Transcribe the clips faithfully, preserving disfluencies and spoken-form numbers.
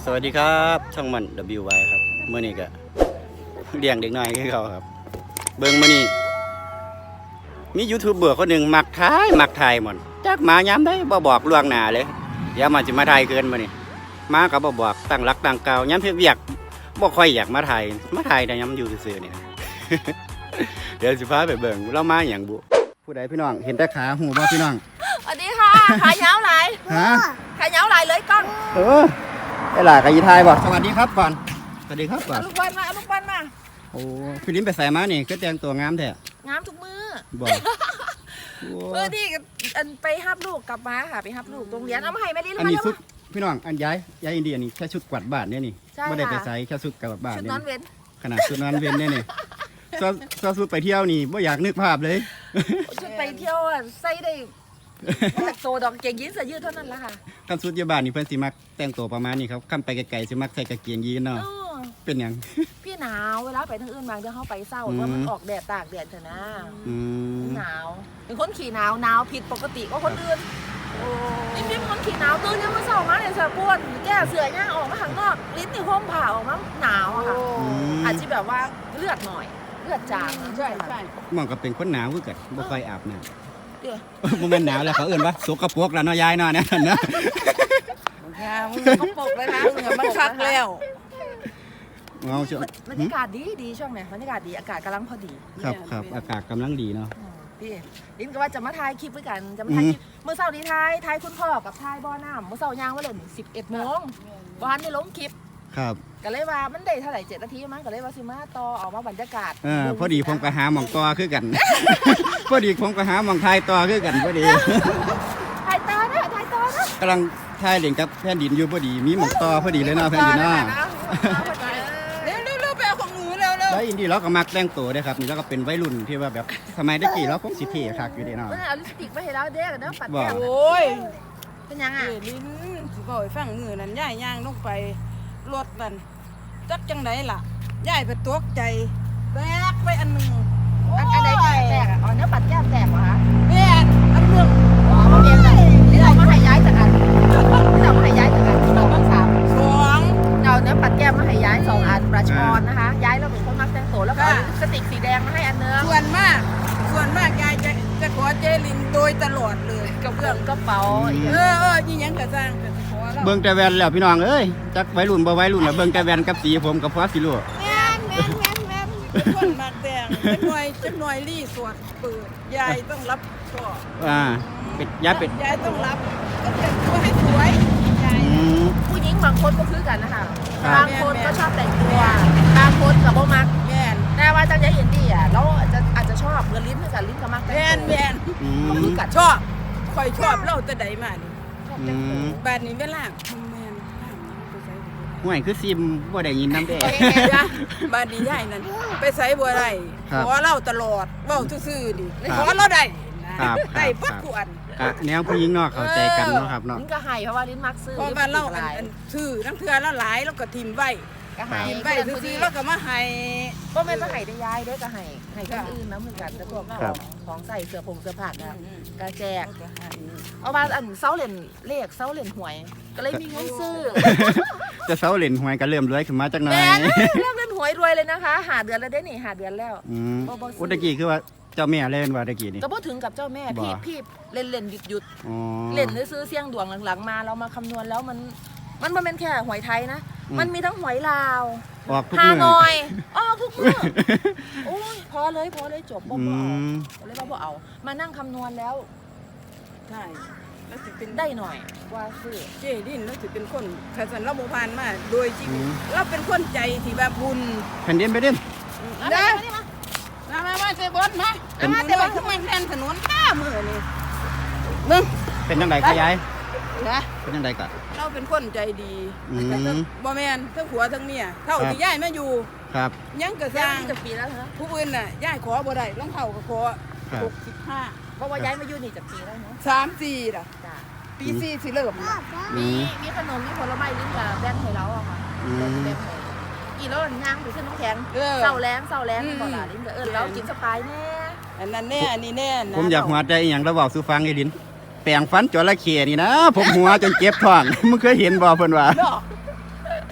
สวัสดีครับช่องมัน ดับเบิลยู วาย ครับเมื่อนี้ก็เลี้ยงเด็กน้อยให้เขาครับเบิ้งมื่อนี้มียูทูบเบอร์คนหนึ่งมักถ่ายมักถ่ายหมดจักมาย้ำได้บ่บอกล่วงหน้าเลยเดี๋ยวมันจะมาถ่ายเกินมื่อนี้มากับบ่บอกตั้งรักตั้งเก่าย้ำเพียบเวียกบ่ค่อยอยากมาถ่ายมาถ่ายแต่ย้ำอยู่ซื่อๆเนี่ย เดี๋ยวสิพาไปเบิ่งเรามาอย่างบุผู้ใดพี่น้องเห็นแต่ขาหูบ่พี่น้องสวัสดีค่ะขายาวไหลฮะขายาวไหลเลยกล้องเออไอ้หล่ะกะยีทายบ่สวัสดีครับก่อนสวัสดีครับก่อนลูกบอลมาลูกบอลมาโอ้พี่ลิ้นไปใส่มานี่ก็แต่งตัวงามแท้งามทุกมือบ่เออที่อันไปฮับลูกกลับมาค่ะไปฮับลูกโรงเรียนเอามาให้แม่ลิ้นอันนี้ชุดพี่น้องอันย้ายย้ายอินเดียนี่แค่ชุดกวาดบ้านเนี่ยนี่ไม่ได้ไปใส่แค่ชุดกวาดบ้านชุดนอนเว้นขนาดชุดนอนเว้นเนี่ยนี่ซอชุดไปเที่ยวนี่ไม่อยากนึกภาพเลยชุดไปเที่ยวใส่ได้โตดอกเกงยีนเสื้อยืดเท่านั้นละค่ะคำชุดยาบานนี่เพิ่นสิมักแต่งตัวประมาณนี้ครับขั้นไปไกลๆสิมักใส่กางเกงยีนเนาะเป็นยังพี่หนาวเวลาไปทางอื่นบางจะเข้าไปเศร้าเพราะมันออกแดดตากแดดเถอะนะหนาวเป็นคนขี่หนาวหนาวผิดปกติก็คนอื่นนี่เป็นคนขี่หนาวตื่นเนี่ยเมื่อเช้ามาเนี่ยเสือปวดแก้เสือย่างออกมาข้างนอกลิ้นนี่ห้มผ่าออกมาหนาวอะค่ะอาจจะแบบว่าเลือดหน่อยเลือดจางใช่ใช่มองกับเป็นคนหนาวคือกันบ่ค่อยอาบน้ำมันเป็นหนาวแล้วเขาเอื่นว่าสกปรกแล้วเนาะยายเนาะเนี่ยนะมึงก็ปกเลยนะมึงมันคักแล้วเอาช่วงบรรยากาศดีดีช่วงไหนบรรยากาศดีอากาศกำลังพอดีครับครับอากาศกำลังดีเนาะพี่ลิ้นก็ว่าจะมาถ่ายคลิปด้วยกันจะมาถ่ายคลิปเมื่อเช้านี้ถ่ายถ่ายคุณพ่อกับถ่ายบ่อน้ำเมื่อเช้ายางว่าเล่นสิบเอ็ดโมงบ้านนี่ลงคลิปครับก็เลยว่ามันได้เท่าไหร่เจ็ดนาทีมั้งก็เลยว่าสิมาต่อออกมาบรรยากาศเออพอดีผมก็หาหม่องต่อคือกันพอดีผมก็หาหม่องถ่ายต่อคือกันพอดีถ่ายต่อนะถ่ายต่อนะกำลังถ่ายเล่นกับแผ่นดินอยู่พอดีมีหม่องต่อพอดีเลยเนาะแผ่นดินเนาะเร็วเร็วเร็วไปเอาของหนูเร็วเร็วแล้วอินดี้เราก็มักแต่งตัวด้วยครับนี่เราก็เป็นวัยรุ่นที่ว่าแบบสมัยตะกี้เราคงสิเท่คักอยู่ดีเนาะเอาลิปสติกมาให้เราเด็กเนาะปัดแก้มโอ้ยเป็นยังไงลิ้นสิบ่อยฟังมือนั่นย่ายย่างลงไปรถนั่นจักจังไหนล่ะย่ายไปตกใจแตกไปอันหนึ่งอันใดแตกอ่ะอ๋อเนื้อปัดแก้มแตกเหรอคะแตกอันหนึ่งอ๋อมาเรียนกันนี่เรามาให้ย้ายจากอันนี่เรามาให้ย้ายจากอันสองสามสองเราเนื้อปัดแก้มมาให้ย้ายสองอันประชอนนะคะย้ายเราเป็นคนมักแต่งตัวแล้วก็สติกสีแดงมาให้อันเนื้อส่วนมากส่วนมากยายจะจะขอเจลินโดยตลอดเลยกับเรื่องกระเป๋าเออเออยี่ยังกระซังเบิ่งแต่แว่นแล้วพี่น้องเอ้ยจักวัยรุ่นบ่วัยรุ่นแล้วเบิ่งแต่แว่นกับสีผมกับพอสิรู้แม่นแม่นแม่นแม่นเป็นคนมากแต่งจักหน่อยจักหน่อยรีสวดเปิดยายต้องรับชอบอ่าเป็ดยายเป็ดยายต้องรับก็แต่งตัวให้สวยยายผู้หญิงบางคนก็คือกันนะคะบางคนก็ชอบแต่งตัวบางคนกับโบมักแม่นแต่ว่าจังใจเห็นดีอ่ะเราอาจจะอาจจะชอบเงินลิ้นกับลิ้นกับมักแม่นแม่นก็คือกันชอบคอยชอบเล่าแต่ใดมานี่บ้านนี้เวลาแม่นห่วยคือซิมบ่ได้ยินน้ำแดงบ้านนี้ยายนั่นไปไสบ่ได้ขอเล่าตลอดเว้าซื่อๆดิขอเราได้ได้ปัดกวนอ่ะแนวผู้หญิงเนาะเข้าใจกันเนาะครับเนาะลิ้นก็ให้เพราะว่าลิ้นมักซื้อเพราะว่าเล่าอันซื่อทั้งเทื่อละหลายแล้วก็ทิ่มไว้ก็ให้ไปซื่อๆแล้วก็มาให้ก็แม่ก็ให้ได้ย้ายด้วยก็ให้ให้คนอื่นนะเหมือนกันแต่พวกของใส่เสื้อผงเสื้อผ้านะกระแจกเอามาอันเซาเหรียญเลขเซาเหรียญหวยก็เลยมีเงินซื้อจะเซาเหรียญหวยก็เริ่มรวยขึ้นมาจักหน่อยเริ่มเล่นหวยรวยเลยนะคะหาเดือนแล้วได้นี่หาเดือนแล้วอืมอุตะกี้คือว่าเจ้าแม่เล่นว่าตะกี้นี่ก็พูดถึงกับเจ้าแม่พี่พี่เล่นเล่นหยุดหยุดเล่นซื้อเสี่ยงดวงหลังๆมาเรามาคำนวณแล้วมันมันมันเป็นแค่หวยไทยนะมันมีทั้งหวยลาวฮานอยอ๋อทุกเมื่อโอ้ยพอเลยพอเลยจบบ่บ่เอาเลยบ่เอามานั่งคำนวณแล้วใช่แล้วสิเป็นได้หน่อยว่าซื้อเจดินแล้วสิเป็นคนขันสันเราโมพานมาโดยชีวิตเราเป็นคนใจที่แบบบุญแผ่นดินไปดินได้มามามาเซบอนมามาเซบอนทำไมแทนถนนข้ามือนี่มึงเป็นยังไงขยายนะเป็นยังไงกันเราเป็นคนใจดีบ่แมนทั้งผัวทั้งเมียเท่าที่ย่ายมาอยู่ครับยังกระซังจะปีแล้วเหรอผู้อื่นน่ะย่ายขอบ่ได้รองเท้าก็ขอหกสิบห้าเพราะว่าย้ายมาอยู่นี่จะปีแล้วเนาะสามสี่ล่ะปีสี่สิเริ่มมีมีขนมมีผลไม้ลิ้นกับแบนให้เราอะค่ะแบนให้กี่แล้วย่างไปขึ้นน้ำแข็งเศร้าแรงเศร้าแรงก่อนละลิ้นเออเรากินสปายแน่อันนั้นแน่อันนี้แน่ผมอยากหัวใจอย่างระบอกสูฟังไอ้ลิ้นแปลงฟันจระเข้นี่นะผมหัวจนเจ็บท้องมึงเคยเห็นบ่เพิ่นว่า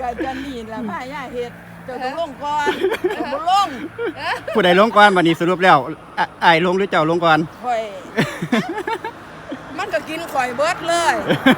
ก็จะนี่ล่ะพาย่าเฮ็ดเจ้าต้องลงก่อนเจ้าบ่ลงผู้ใดลงก่อนบัดนี้สรุปแล้วอ่ะอ้ายลงหรือเจ้าลงก่อนข่อย มันก็กินข่อยเบิดเลย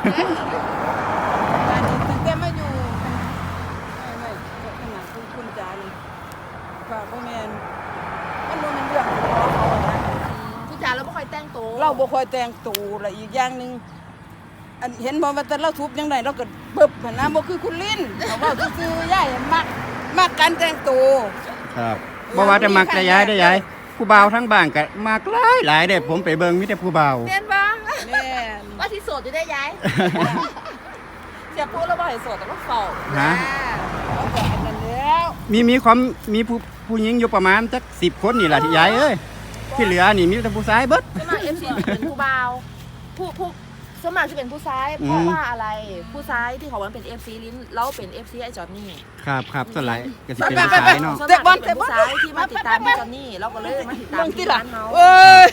อันนี้ตั้งแต่มาอยู่ไม่ไม่ขนาดคุณคุณจานี่ฝากบ่แม่นมันบ่แม่นเรื่องของเขาอะนะผู้ชายเราไม่ค่อยแต่งตัวเราบ่ค่อยแต่งตัวและอีกอย่างหนึงอันเห็นบ่ว่าแต่เราทุบจังไดเราก็เบิบหั่นนะบ่คือคุณลิ้นเขาเว้าซื่อๆยายมักมักการแต่งตัวครับบ่ว่าจะมักจะย้ายได้ย้ายผู้บ่าวทั้งบ้านก็มักหลายหลายเด้ผมไปเบิ่งมีแต่ผู้บ่าวเรียนบ้างแม่นว่าที่โสดจะได้ย้ายเสียพูดแล้วว่าให้โสดแต่ว่าเฝ้าฮะเอาแต่อันนั้นแล้วมีมีความมีผู้ผู้หญิงอยู่ประมาณจักสิบคนนี่ล่ะที่ย้ายเอ้ยที่เหลือนี่มีแต่ผู้ชายเบิดสมัครเอฟซีเป็นผู้บ่าวผู้ผู้สมัครจะเป็นผู้ซ้ายอืมเพราะว่าอะไรผู้ซ้ายที่เขาวันเป็นเอฟซีลิ้นแล้วเป็นเอฟซีไอจอนนี่ครับครับส่วนหลายก็สิเป็นผู้ชายเนาะสมัครเป็นผู้ซ้ายที่มาติดตามพี่จอนนี่เราก็เลยมาติดตามเบิ่งที่ติล่ะร้านเขาเอ้ย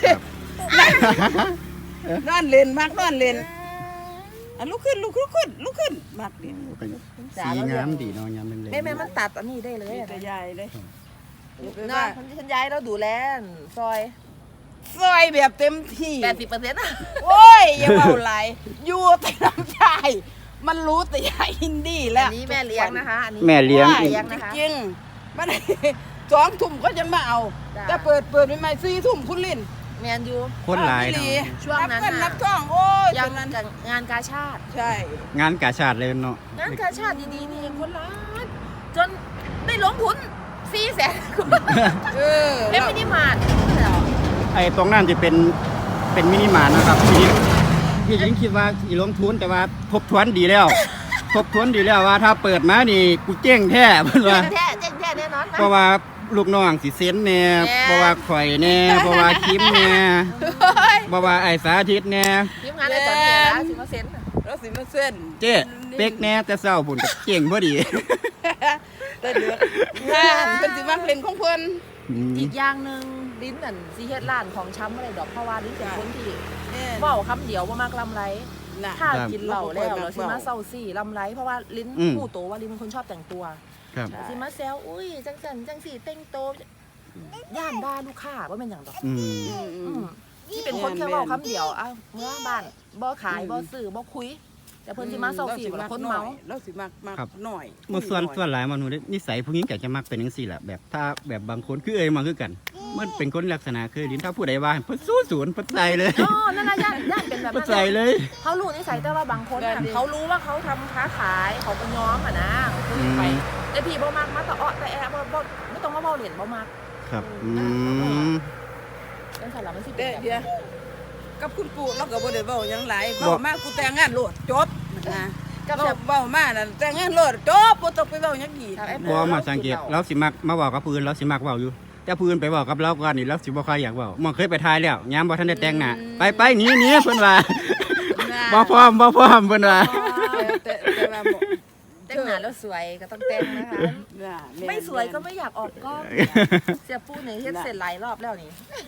นอนเล่นมักนอนเล่นอันลุกขึ้นลุกลุกขึ้นลุกขึ้นมักเล่นสีงามดีเนาะยามเล็กๆแม่แม่มันตัดอันนี้ได้เลยนี่อะแต่ยายเลยเนาะฉันย้ายแล้วดูแลซอยซอยแบบเต็มที่แปดสิบเปอร์เซ็นต์อะโอ้ยอย่าเบาไหลายอยู่แต่น้ำชายมันรู้แต่ยายอินดี้แล้วอันนี้แม่เลี้ยงนะคะอันนี้แม่เลี้ยงว่าอีกนะคะจริงๆมัน สองทุ่มก็ยังมาเอาจ้ะแต่เปิดเปิดใหม่ๆสี่ทุ่มคุณลินแมนยูคนหลายอีเนาะช่วงนั้นนับเงินน่ะนับทองโอ้ยยังจนนั้นกับงานกาชาติใช่งานกาชาติเลยเนาะงานกาชาติดีๆนี่เองคนล้านจนได้ลงทุนสี่แสนเออเอ็มมินิมาร์ทเหรอไอ้ตรงนั้นจะเป็นเป็นมินิมาร์ทนะครับพี่พี่หญิงคิดว่าอีลงทุนแต่ว่าทบทวนดีแล้ว ทบทวนดีแล้วว่าถ้าเปิดมานี่กูเจ๊งแท้เพิ่นว่าแท้แจ้งแท้แน่นอนนะเพราะว่าลูกน้องสิเซ็นแน่แน่เพราะว่าข่อยแน่เพราะว่าคิมแน่เพราะว่าไอ้สาธิตแน่ทีมงานไอ้จอนเนี่ยนะสิบเปอร์เซ็นต์น่ะแล้วสิมาเส้นเจ๊เป๊กแน่แต่เศร้าพุ่นก็เจ๊งพอดีแต่เดือดงานเป็นสิมักเล่นของเพิ่นอืมอีกอย่างหนึ่งลิ้นนั่นซีเฮ็ดร้านของช้ำอะไรดอกเพราะว่าลิ้นเป็นคนที่แม่นเว้าคำเดียวว่ามากลำไรน่ะถ้ากินเหล้าแล้วครับเราสิมาเศร้าซี่ลำไรเพราะว่าลิ้นผู้โตว่าลิ้นเป็นคนชอบแต่งตัวครับใช่สิมาแซวอุ้ยจังสันจังสี่เต้งโตย่านด่าลูกค้าว่าเป็นอย่างดอกอืมอืมอือืมมที่เป็นคนแค่เว่าคำเดียวอ้าวเมื่อบ้านบ่ขายบ่ซื้อบ่คุย แต่เพิ่นสิมาเศร้าสี่ว่าคนเมาเราสิมักมักหน่อยเมื่อส่วนส่วนหลายมนุษย์นิสัยผู้หญิงก็จะมักเป็นจังซี่แหละแบบถ้าแบบบางคนคือเอ้ยมาคือกัน มันเป็นคนลักษณะคือลิ้นถ้าผู้ใดว่าเพิ่นสู้ศูนย์เพิ่นใส่เลยอ๋อนั่นน่ะย่านย่านเป็นแบบเพิ่นนั้นใส่เลยเขารู้นิสัยแต่ว่าบางคนน่ะเขารู้ว่าเขาทำค้าขายเขาเป็นย้อมอ่ะนะคุยไปแต่พี่บ่มักมาแต่อ้อแต่แอะบ่บ่ไม่ต้องมาเว้าเหรียญบ่มักครับอืมจังซั่นล่ะมันสิเป็เด้นแบบเดี๋ยวนั้นกับคุณปู่เราก็บ่ได้เว้าหยังหลายบ่เว้ามากูแต่งงานโลดจบนะกับเว้าแบบเว้ามานั่นแต่งงานโลดจบบ่ต้องไปเว้าหยังอีกกับไอ้บ่มาสังเกตเราสิมักมาเว้ากับผู้อื่นเราสิมักเว้าอยู่ แต่ผู้อื่นไปเว้ากับเราก่อนนี่เราสิบ่ค่อยอยากเว้ามันเคยไปทายแล้วยามบ่ทันได้แต่งหน้าไปไปหนีหนีเพิ่นว่าบ่พร้อมบ่พร้อมเพิ่นว่าแต่แต่ว่าบ่แต่งหน้าแล้วสวยก็ต้องแต่งนะคะน่ะแนไม่สวยก็ไม่อยากออกกล้อง เสียปูเนี่ยเฮ็ดเสร็จหลายรอบแล้วนี่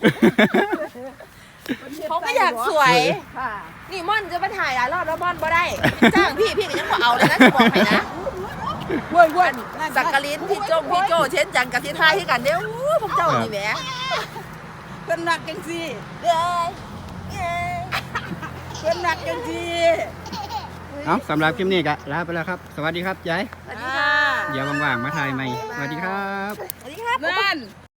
เขาก็อยากสวยค่ะนี่ม่อนจะมาถ่ายหลายรอบแล้วม่อนบ่ได้จ้างพี่พี่ก็ยังบ่เอาเลยนะจะบอกให้นะเว้ยเว้ยสักกะลินพี่โจ้พี่โจ้เช่นจังกับที่ท่ายที่กันเด้ออู้พวกเจ้านี่แหมเพิ่นรักจังซี่เอ้ยเอ้ยเพิ่นรักจังซี่เอาสำหรับคลิปนี้ก็ลาไปแล้วครับ สวัสดีครับยายสวัสดีค่ะเดี๋ยวว่างๆมาถ่ายใหม่สวัสดีครับสวัสดีครับนั่น